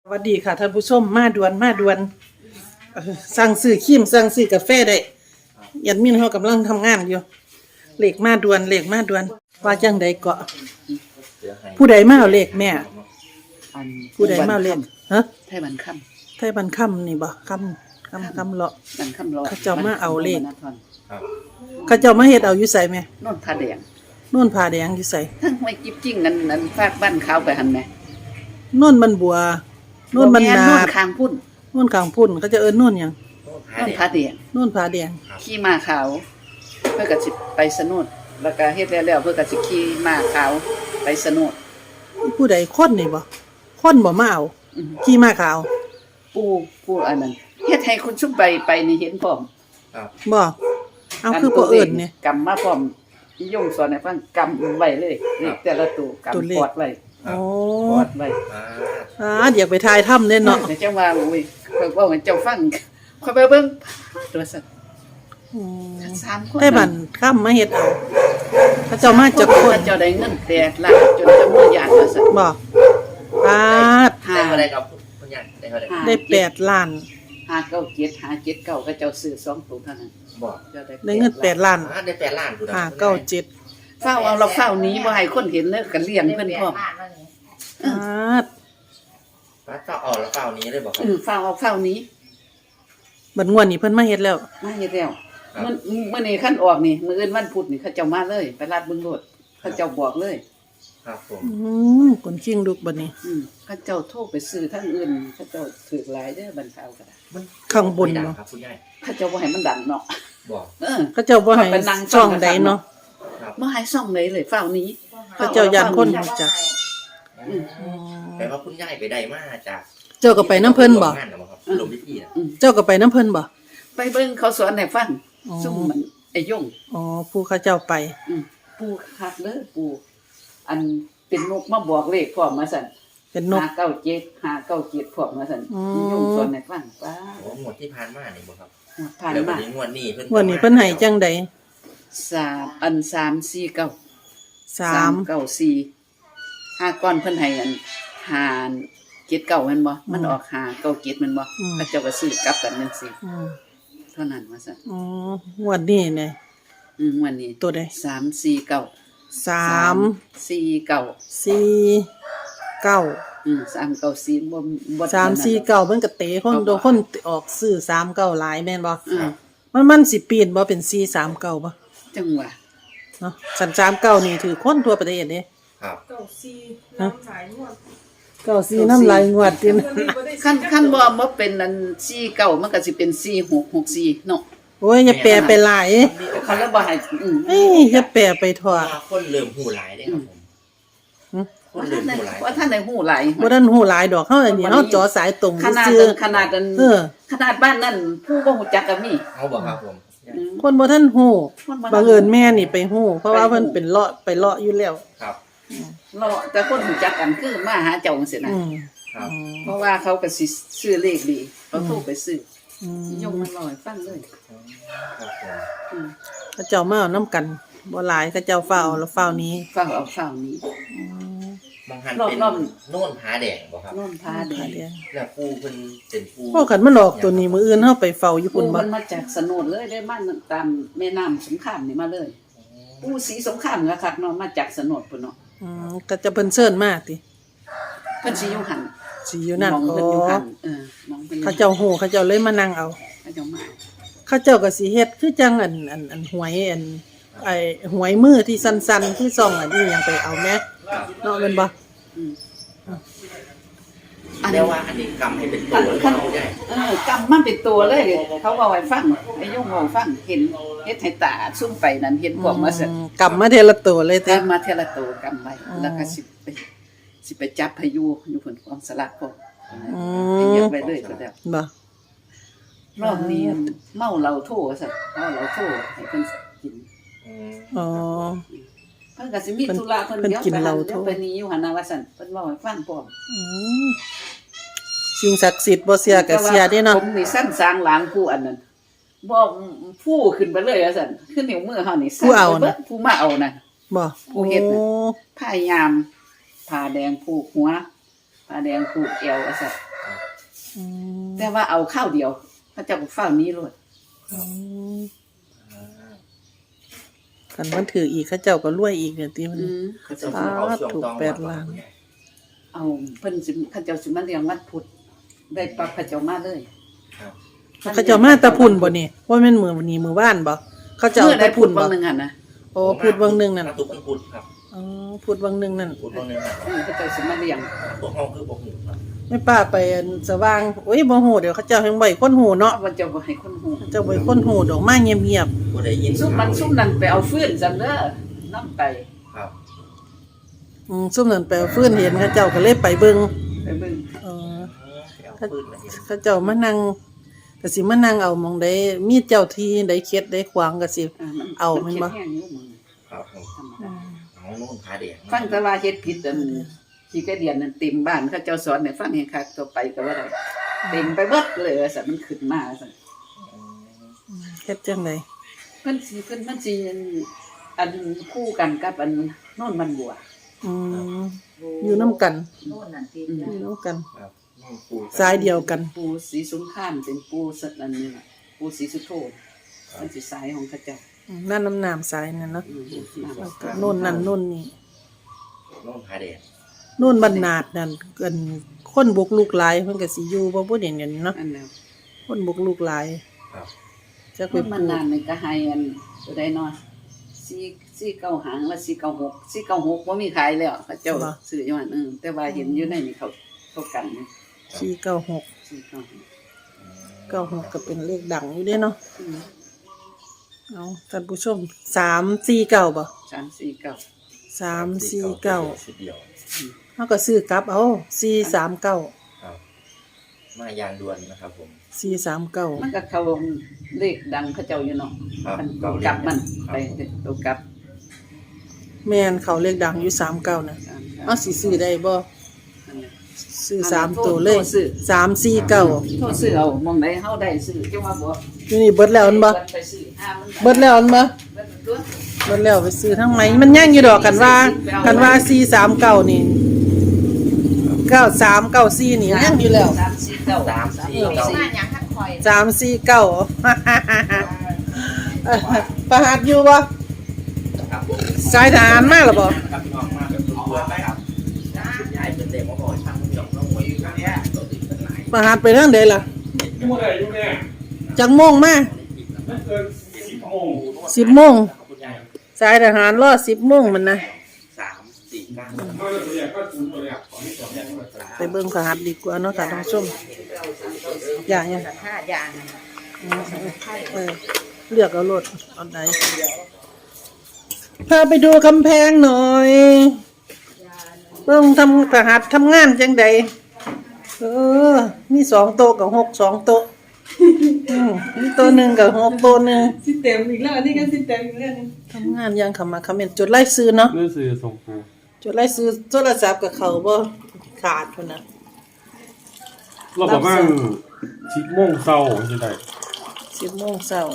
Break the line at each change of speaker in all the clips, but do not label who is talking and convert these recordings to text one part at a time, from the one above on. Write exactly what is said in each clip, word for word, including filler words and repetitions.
สวัสดีค่ะท่านผู้ชมมาด่วนมาด่วนเอ่อสั่งซื้อครีมสั่งซื้อกาแฟได้ยันมินเขากำลังทำงานอยู่เลขมาด่วนเลขมาด่วนว่าจังใดเกาะผู้ใดมาเอาเลขแม่
อัน
ผู้ใดมาเอาเลขฮะ
ไทยบันค่
ไทยบันค่ำนี่บ่ค่ำค่ำค่ำเลาะ
ำบันค่ำรอ
เขาเจ้ามาเอาเลข
บันค่ำรอ
เขาเจ้ามาเฮ็ดเอาอยู่ใส่แม่
โน่นผ้าแดง
นู่นผ้าแดงอยู่ใส่
ทั้งไม่จิบจิ้งนั่นนั่นฟากบ้านขาวไปหันแม่
นู่นมันบัวนู่นมัน
บ่แ
นา
โน่น
ด
คางพุ่น
นู่นข้างพุ่นเขาจะเอิ้นนู่นหยัง
โน่นผ้าแดง
นู่นผ้าแดง
ขี่ม้าขาว เพื่อก็สิไปสนุดแล้วก็เฮ็ดแล้วแล้วเพื่อก็สิขี่ม้าขาวไปสนุด
ผู้ใดคนนี่บ่คนบ่มาเอา
อือ
ขี่ม้าขาว
ปู่ปู่อันนั้นเฮ็ดให้คุณชุบใบไปนี่เห็นพร้อม
บ่เอาคือบ่เอิ้นเนี่ย
กำมาพร้อมอียงสอนให้ฟังกำไว้เลยเลขแต่ละตัว
ตัวเลข
กำปอดไว้
โอ้
ปอดไว้
อ่าอยากไปทายถ้ำเด้เนาะ
เดี๋ยวเจ้าว่าโอ้ยข่อยเว่าให้เจ้าฟังข่อยไปเบิ่งตัวสัตว์
อืม
สามคน
ไต้บันข้ามมาเฮ็ดเอาเขาเจ้ามาจากคน
เจ้าได้เงินแปดล้านจนจะมือหยาดว่าสัตว์
บ่ปาด
ห้า
ได้เท่าไรครับคุณยายได้เท่าไร
ได้แปดล้าน
ห้าเก้าเจ็ดห้าเจ็ดเก้าก็เจ้าซื้อสองตัวเท่านั้น
บอก
เจ้า
ได้เงินแปดล้าน
อ่าได้แปดล้านคุณ
ห้าเก้าเจ็ด
เฝ้าเอาเราเฝ้านี้บ่ให้คนเห็นเลยก็เลี้ยงเพิ่นพร้อม
ปาด
ป้าเฝ้าออกแล้วเฝ้านี้เลยบอกครั
เอบ อเฝ้าเอาเฝ้านี้
บัดงวดนี้เพิ่นมาเฮ็ดแล้ว
มาเฮ็ดแล้วมันมื้อนี้คันออกนี่มื้ออื่นวันพุธนี่เขาเจ้ามาเลย ไปลาดบึงโลดเขาเจ้าบอกเลย
ครับผม
อืมคนคิงลูกบัดนี้
อืมเขาเจ้าโทรไปซื้อทางอื่นเขาเจ้าถือหลายเด้อบันเทาก็ได้
มัน
ข้างบน
ไม่ดั
เนาะ
ครับคุณยาย
เขาเจ้าบ่ให้มันดังเนาะ
บอก
เออ
เขาเจ้าบ่ให้
ไปนั่ง
ช่องใดเนาะ
ครับ
บ่ให้ซ่องเลยเลยเฝ้านี้
เขาเจ้าย่านคนรู้จัก
อืม
อืม
แต่ว่าคุณยายไปได้มาจาก
เจ้าก็ไปน้ำเพิ่นบ่
โรงงานเหรอครับลงพิธีนะ
อืม
เจ้าก็ไปน้ำเพิ่นบ่
ไปเบิ่งเขาสอนให้ฟัง
อ๋อ
ซุ่มมันไอ้ยง
อ๋อผู้เขาเจ้าไป
อืมปู่คักเด้อปู่อันเป็นนกมาบอกเลขพร้อมมาสั่น
เป็นนก
ห้าเก้าเจ็ด ห้าเก้าเจ็ดพร้อมมาสั่น
อืม
ไอ้ยงสอนให้ฟังป้า
โอ้งวดที่ผ่านมานี่บอกครับ
ผ่าน
แล้ววั
มาน
นี้งวดนี้เพิ่น
งวดนี้เพิ่นให้จังใด
สามอันสามสี่เก้า
สาม
เก้าสี่ห้าก้อนเพิ่นให้อันห้าเจ็ดเก้าแม่นบ่มันออกห้าเก้าเจ็ดแม่นบ่เขาเจ้าก็ซื้อกลับกันจังซี่
อืม
เท่านั้นว่าซั่น
อ๋องวดนี้เนี่ย
อืมวันนี้
ตัวใด
สามสี่เก้า
สาม
สี่เก้า
สี่เก้า
อืมสามเก้าสี่บ่บ่
สามสี่เก้าเพิ่นก็เตะคนโดนคนออกซื้อสามเก้าหลายแม่นบ่
อืม
มันมันสิเปลี่ยนบ่เป็นสี่สามเก้าบ่
จังหวะ
เนาะสันสามเก้านี่ถือคนทั่วประเทศเด้
ครับ
เก้าสี่น้ำหลายงวด
เก้าสี่น้ำลายงวดติน
วันนี้บ่ได้
คันคันบ่บ่เป็นอันสี่เก้ามันก็สิเป็นสี่หกหกสี่เนาะ
โอ้ยอย่าแปลไปหลาย
เขาแล้วบ่ให้อืม
เอ้ยอย่าแปลไปทั่ว
ว่าคนเริ่มหูหลายได้ครับผม
หึ
คน
ว่า
เริ่
ท่าม นได้
หูหลาย
ว่าท่านได้ฮู้หลาย
บ่ทันฮู้หลายดอกเฮาอันนี้เฮาจ่อสายตรง
ขนาด
ซื่อ
ขนาดอัน
เออ
ขนาดบ้านนั่นผู้บ่ฮู้จักก็มี
เอาบอกครับผม
อืม
คนบ่ทันฮู้
คนบ่ทัน
บังเอิญแม่นี่ไปฮู้เพราะว่า
ไปฮู้
เพิ่นเป็นเลาะไปเลาะอยู่แล้ว
ครับ
เราแต่คนฮู้จักกันคือมาหาเจ้าจังซี่นะ
อืม
ครับ
เพราะว่าเขาก็สิซื้อเลขดีเขาโทรไปซื้อ
อืม
ยงมันลอยฟังเลย
ครับผม
อืม
เขาเจ้ามาเอานํกันบ่หลายเขาเจ้าเฝ้าแล้วเฝ้านี้
ฟังเอาฟังนี้
มองหัน
รอบ
เป็น
รอบ
โน่นผาแดงบอกครับ
โน่นพาเด็ก
แล้วปูเพิ่นเป็นปู
พวกกันมันออกตัวนี้มื้ออื่นเฮาไปเฝ้าอยู่
ปู
พุ่นบ่
มันมาจากสนดเลยได้มาตามแม่น้ำสงครามนี่มาเลยปูสีสงครามก็คักเนาะมาจากสนดพุ่นเนาะ
อืมก็จะเพิ่นเชิญมาติ
เพิ่นสิอยู่หัน
สิอยู่นั่น
มอง
อ๋
เพิ่นอยู่
อ
หันเออมองเพิ่นอยู่
เขาเจ้าฮู้เขาเจ้าเลยมานั่งเอา
เขาเจ้ามา
เขาเจ้าก็สิเฮ็ดคือจังอันอันอันหวยอันไอ้หวยมือที่สั้นๆคือซ่องอันนี้ยังไปเอาแม่เนาะแม่นบ่
อืมอัน
เรี
นี้
ยกว่าอันนี้กำให้เป็นตัวเลยครับคุณยาย
เออกำมันเป็นตัวเลย เขาเอาไว้ฟังไอ้ยงเอาฟังเห็นเฮ็ดให้ตาซุ่มไปนั่นเห็นพวกมาเสร็จ
อืมกำมาเทละตัวเลยเต้
กำมาเทละตัวกำไว้แล้วก็สิไปสิไปจับพายุอยู่ผลความสลักพวก
อื
ไปเหยียบ
ม
ไปเลยก็แล้ว
บ่
รอบนี้เมาเหล้าโทสัตว์เมาเหล้าโทให้เพิ่นกิน
อืม
อ๋อ
เพิ่นก็สิมีธุระเพิ่น
เพิ่น
เดี๋ยว
กิน
ไป
เห
หั
ล้าน โท
เดี๋ยวไปนี้อยู่หั่นน่ะว่าซั่นเพิ่นเว้าให้ฟังพร้อม
อืมสิ่งศักดิ์สิทธิ์บ่เสียก็เสียเด้เนาะ
ผมนี่สั้นสางหลางผู้อันนั้นบ่ผู้ขึ้นไปเลยว่าซั่นคือนิ้วมือเฮานี่สั่นไปบิดผู้มาเอานั่น
บ่
ผู้เฮ็ดน่ะ
โอ้
พยายามผ้าแดงผูกหัวผ้าแดงผูกเอวว่าซั่น
อืม
แต่ว่าเอาข้าวเดียวเขาเจ้าก็เฝ้านี้โลด
อืมคันมันถืออีกเขาเจ้าก็รวยอีกเนี่ยติมัน
อืม
เขาจะเอาช่วง
ถูก
ต้อง
แปดล้าน
เอาเพิ่นสิเขาเจ้าสิมาเลี้ยงวันพุธได้ปักเขาเจ้ามาเลย
ครับ
เขาเจ้ามาแตะพุ่นบ่นี่ว่าแม่นมื้อนี้มื้อวานบ่เขาเจ้า
เมื่อ
แตะ
ได้พุ
พุ่
ธ
น
บา
บ่
งหนึงหั่นนะ
โอ้พูดเบิ่งหนึงนั่น
ตุกมันพุดครับ
อ๋อพูดเบิ่งหนึงนั่น
พุดบางนึงนะ
อืมเขาเจ้าสิมาเลี้ยง
ตัวเฮาคือบ่ฮู้ครับ
แม่ป้าไปอันสว่างโอ้ยบ่ฮู้เดี๋ยวเขาเจ้าแฮงบ่ให้คนฮู้เนาะ
ว่าเจ้าบ่ให้คนฮู้
เจ้าบ่ให้คนฮู้ดอกมาเงียบ
บ่ได้ยิน
ซุมมันซุมนั้นไปเอาฟืนซั่นเด้อนํไป
ครับ
ๆอืมซุ่มนั้นไปเอาฟื้นเห็นเขาเจ้าก็เลยไปเบิ่ง
ไปเบิ่ง
เออ
เอาปืนมาเห็น
เขาเจ้ามานั่งก็สิมานั่งเอาหมองใดมีเจ้าที่ใดเข็ดใดขวางก็สิ
อ่ามัน
เอาแม่นบ่
เฮ็ดแห้งอยู่มึง
ครับผม
ธรรมดา
เอาโน่นผาแดง
ฟังแต่ว่าเฮ็ดผิดอันขี้กระเดียนนั่นเต็มบ้านเขาเจ้าสอนให้ฟังให้คักต่อไปก็ว่าได้เต็มไปเบิดเลยว่าซั่นมันขึ้นมาซั่น
เฮ็ดจังได๋
เพิ่นสิเพิ่นมันสิอันคู่กันกับอันโน่นมันบัว
อืมอยู่นํกัน
โน่นนั่นที่
อยู่นํกัน
ครับโน่นปู
สายเดียวกัน
ปูสีสุนทานเป็นปูสัตว์อันนี้ล่ะปูสีสุโธมันสิสายของเขาเจ้า
อืมนั่นน้ำน้ำสายนั่นเนาะ
อืมน้ำ
แล้วก็โน่นนั่นโน่นนี่
โน่นผาแดง
โน่นบรรนาดนั่นเกินคนบุกลูกหลายเพิ่นก็สิอยู่บ่บ่เด่นกันเนาะ
อันแล้ว
คนบุกลูกหลาย
ครับ
จักไป
มัน
ปลูก
นานนี่ก็ให้อันตัวใดเนาะสี่สี่เก้าหางละสี่เก้าหกสี่เก้าหกบ่มีขายแล้วเขาเจ้าซื้ออยู่หั่นเออแต่ว่าเห็นอยู่ในนี่เขาเขากันนี่
สี่เก้าหก
สี่เก้าหก
เก้าหกก็เป็นเลขดังอยู่เด้เนาะ
อืม
เอาท่านผู้ชมสามสี่เก้าบ่
สามสี่เก้า
สามสี่เก้า
ชุดเดียว
เฮาก็ซื้อกลับเอาสี่สามเก้า
ครับมายานด่วนนะครับผม
สี่สามเก้า
มันก็เข้าเลขดังเขาเจ้าอยู่เนาะ
ครับ
มัน
เก้าเลข
กลับมัน
ครับ
ไปตัวกลับ
แม่นเขาเลขดังอยู่สามเก้าน่ะ
สามเก้า
เอาสิซื้อได้บ่
นั่นแหละ
ซื้อ
เอา
สาม
โทษ
ตัวเลย
โทษซื้อ
สามสี่เก้า
โทษซื้อเอามองไหนเฮาได้ซื้อจังว่าบ่
อยู่นี่เบิดแล้วอันบ่
ไปซื้อห้ามัน
เบิดแล้วอันบ่
เบิดตัว
เบิดแล้วไปซื้อทั้งไหมมันย่างอยู่ดอกกันว่ากันว่าสี่สามเก้านี่เก้าสามเก้าสี่นี่ย่างอยู่แล้ว
สามสี่เก้า
สามสี่เก้า
มาหยังทักคอย
สามสี่เก้า ประหัดอยู่บ่
ครับผม
สายทหารมาหรอบ่
ครับพี่น้องมาแบบตัวไปครับชุดใหญ่เป็นเด็กมาก่อนช่างพี่น้องน้องหวยอยู่กันเนี่ยตัวติดกันหลาย
ประหัดไปทางใดล่ะ
อยู่ไหนอยู่เนี่ย
จักโมงมา
ไม่เกินสิบโมง
สิบโมง
คุณยาย
สายทหารรอสิบโมงมันนะ
สามสี่เก้า
เขาจะเรียกก็ศูนย์ตัวเนี่ยขอให้จบเนี่ย
ไปเบิ่งประหัดดีกว่าเนาะค่ะท่านผู้ชมอย่าอย่า
ห้าอย่าง
เออเลือกเอารถเอาไหนพาไปดูกำแพงหน่อยเบิ่งทำประหัดทำงานจังใดเออ มีสองโต๊ะกับหกสองโต๊ะอืมมีโต๊ะหนึ่งกับหกโต๊ะหนึ่ง
สิเต็มอีกแล้วอันนี่ก็สิเต็มอีกแล้วนี่
ทำงานยังขำมาคำเมนจดไล่ซื้อเนาะ
เรื่องสื่อส่งครู
จดไล่ซื้อโทรศัพท์กับเขาบ่ขาดคนนะ
เราบอกว่าชิดโมงเศร้าจะได้
สิบโมงเช้า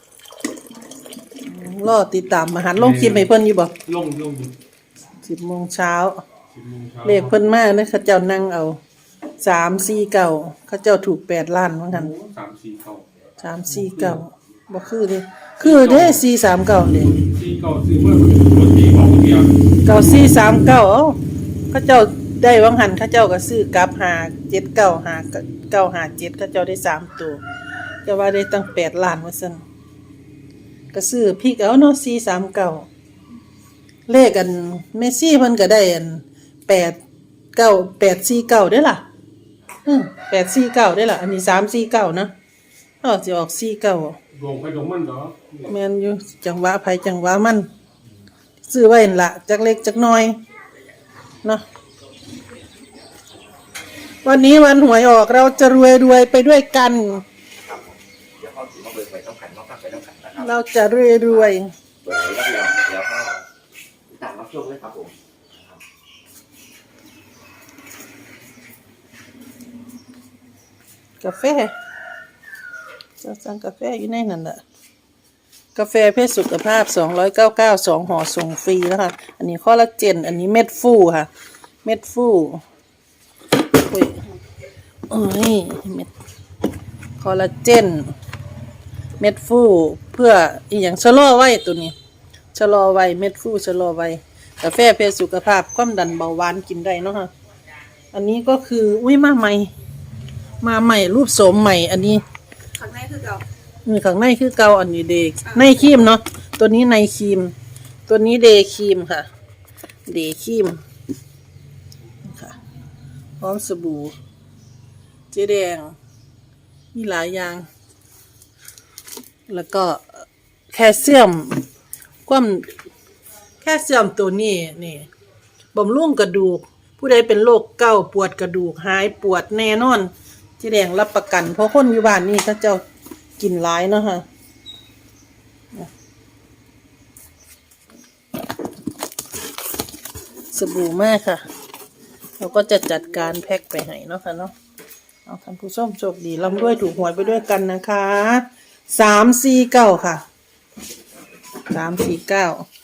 อืมรอติดตามมาหันลงคลิปให้เพิ่นอยู่บ่
ลงลง
สิบโมงเช้า
สิบโมงเช้า
เลขเพิ่นมาเนยเขาเจ้านั่งเอาสามสี่เก้าเขาเจ้าถูกแปดล้านว่างั้น
สามสี่เก้า
สามสี่เก้าบ่คือเด้คือเด้สี่สามเก้าเด้
สี่เก้าซื้อเมื่อวันที่ของเดียว
เก้าสี่สามเก้าเอ้าเขาเจ้าได้วังหันเขาเจ้าก็ซื้อกลับหาเจ็ดเก้าหาเก้าหาเจ็ดเขาเจ้าได้สามตัวจะว่าได้ตั้งแปดล้านว่าซั่นก็ซื้อพริกเอาเนาะสี่สามเก้าเลขอันเมสซี่เพิ่นก็ได้อันแปดเก้าแปดสี่เก้าได้อล่ะอืมแปดสี่เก้าได้อล่ะอันนี้สามสี่เก้านะเออสิออกสี่เก้า
ลงไปลงมันเหรอ
แม่นอยู่จังหวะไผจังหวะมันซื้อไว้นั่นล่ะจักเล็กจักน้อยเนาะวันนี้วันหวยออกเราจะรวยรวยไปด้วยกัน
ครับผมเดี๋ยวเขาถือมาเบิกไปต้องขันมาฟังไปต้องขันนะครับ
เราจะรวยรวย
เปิดเลยครับพี่น้องเดี๋ยวเขาตามรับชมเลยครับผม
กาแฟจะสั่งกาแฟอยู่ในนั่นแหละกาแฟเพื่อสุขภาพสองร้อยเก้าสิบเก้า สองห่อส่งฟรีแล้วค่ะอันนี้คอลลาเจนอันนี้เม็ดฟูค่ะ เม็ดฟูอุ้ยโอ้ยเม็ดคอลลาเจนเม็ดฟูเพื่ออีหยังชะลอไว้ตัวนี้ชะลอไว้เม็ดฟูชะลอไว้กาแฟเพื่อสุขภาพความดันเบาหวานกินได้เนาะค่ะอันนี้ก็คืออุ้ยมาใหม่มาใหม่รูปโสมใหม่อันนี้
ข้างในคือเก่า
มือข้างในคือเกาอันนี้เดย์ในครีมเนาะตัวนี้ในครีม ตัวนี้เดย์ครีมค่ะเดย์ครีมค่ะพร้อมสบู่เจ๊แดงมีหลายอย่างแล้วก็แคลเซียมความแคลเซียมตัวนี้นี่บำรุงกระดูกผู้ใดเป็นโรคเกาต์ปวดกระดูกหายปวดแน่นอนเจ๊แดงรับประกันเพราะคนอยู่บ้านนี่เขาเจ้ากินหลายเนาะค่ะสบู่มากค่ะเราก็จะจัดการแพ็คไปให้เนาะค่ะเนาะเอาท่านผู้ชมโชคดีร่ำรวยถูกหวยไปด้วยกันนะคะสามสี่เก้าค่ะสามสี่เก้า